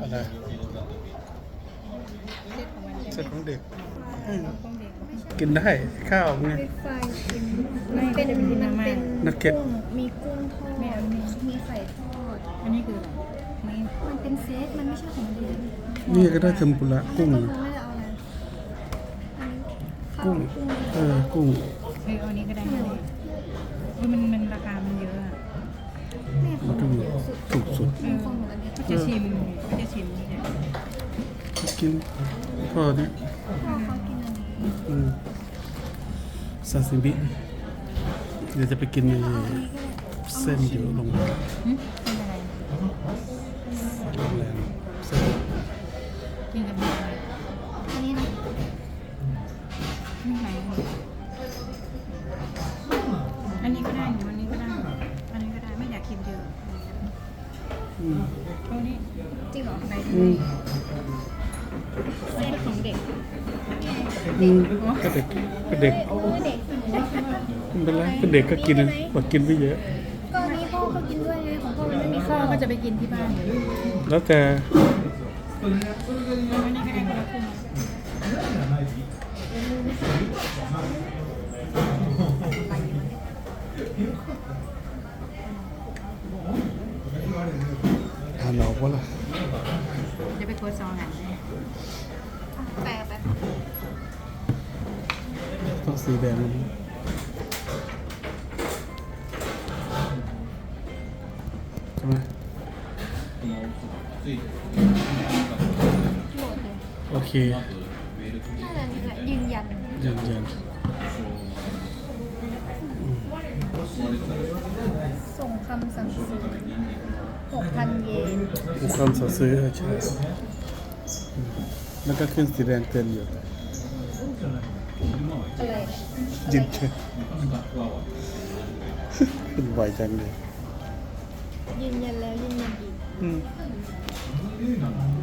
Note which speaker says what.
Speaker 1: อะไรเซ็ตของเด็กกินได้ข้าวไง
Speaker 2: ไฟชิมมันเป็น
Speaker 1: นักเก็ต
Speaker 2: กุ้งมีกุ้งทอดมีไข่ทอด
Speaker 3: อันนี้คืออะไร
Speaker 2: มันเป็นเซตมันไม่ใช่ของเดือน
Speaker 1: นี่ก็ได้เทมปุระกุ้ง
Speaker 2: ไม่ได้เอาอะไร
Speaker 1: กุ้งกุ้ง
Speaker 3: เอานี้ก็ได้เลยมันราคามันเยอะอ่ะ
Speaker 2: แม่ของ
Speaker 1: มันถูกสุด
Speaker 2: ของหนูอันนี้
Speaker 3: ก็จะชิมเนี่ย
Speaker 1: กินพ่อเนี่ย
Speaker 2: พ่อเขากินอันนี้
Speaker 1: ซาซิมิเดี๋ยวจะไปกินในเส้นอยู่โรงแรม
Speaker 3: เป็นอะไร
Speaker 1: โรงแรมเส้น
Speaker 3: กินกับอะไร
Speaker 2: อันนี้นะ
Speaker 3: ไม่ไหนอันนี้ก็ได้หนูอันนี้ก็ได้ไม่อยากกินเยอะตรงนี้
Speaker 2: จริงเหรอ
Speaker 3: ไหน
Speaker 2: เซตของเด็ก
Speaker 1: ก็เด็กก็เด็ก
Speaker 2: โอ้ยเด็ก
Speaker 1: ไม่เป็นไรเป็นเด็กก็กินนะบอกกินไม่เยอะ
Speaker 2: ก็นี้พ่อก็กินด้วยไงของพ่อมันไม่มี
Speaker 3: พ่อ
Speaker 2: ข้าว
Speaker 3: ก็จะไปกินที่บ้านเลย
Speaker 1: แล้วแต่
Speaker 3: อันนี้ก็ได้คนละครึ่ง
Speaker 1: ทานออกว่าล่ะ
Speaker 3: จะไปโคซองหันเลย
Speaker 2: แปลไป
Speaker 1: ต้องสีแดงมันใช่ไหม
Speaker 2: โหลดเลย
Speaker 1: โอเค
Speaker 2: น่าจะนี่แหละยืนยัน
Speaker 1: ยัน
Speaker 2: ส่งคำสั่งซื้อ 6,000 เยน
Speaker 1: มีความสอซื้อใช่แล้วก็ขึ้นสีแดงเต็มอยู่
Speaker 2: อะไร
Speaker 1: ยินเชเป็นบ่อยจังเลย
Speaker 2: ยืนยันแล้วยืนยันอีก
Speaker 1: อืม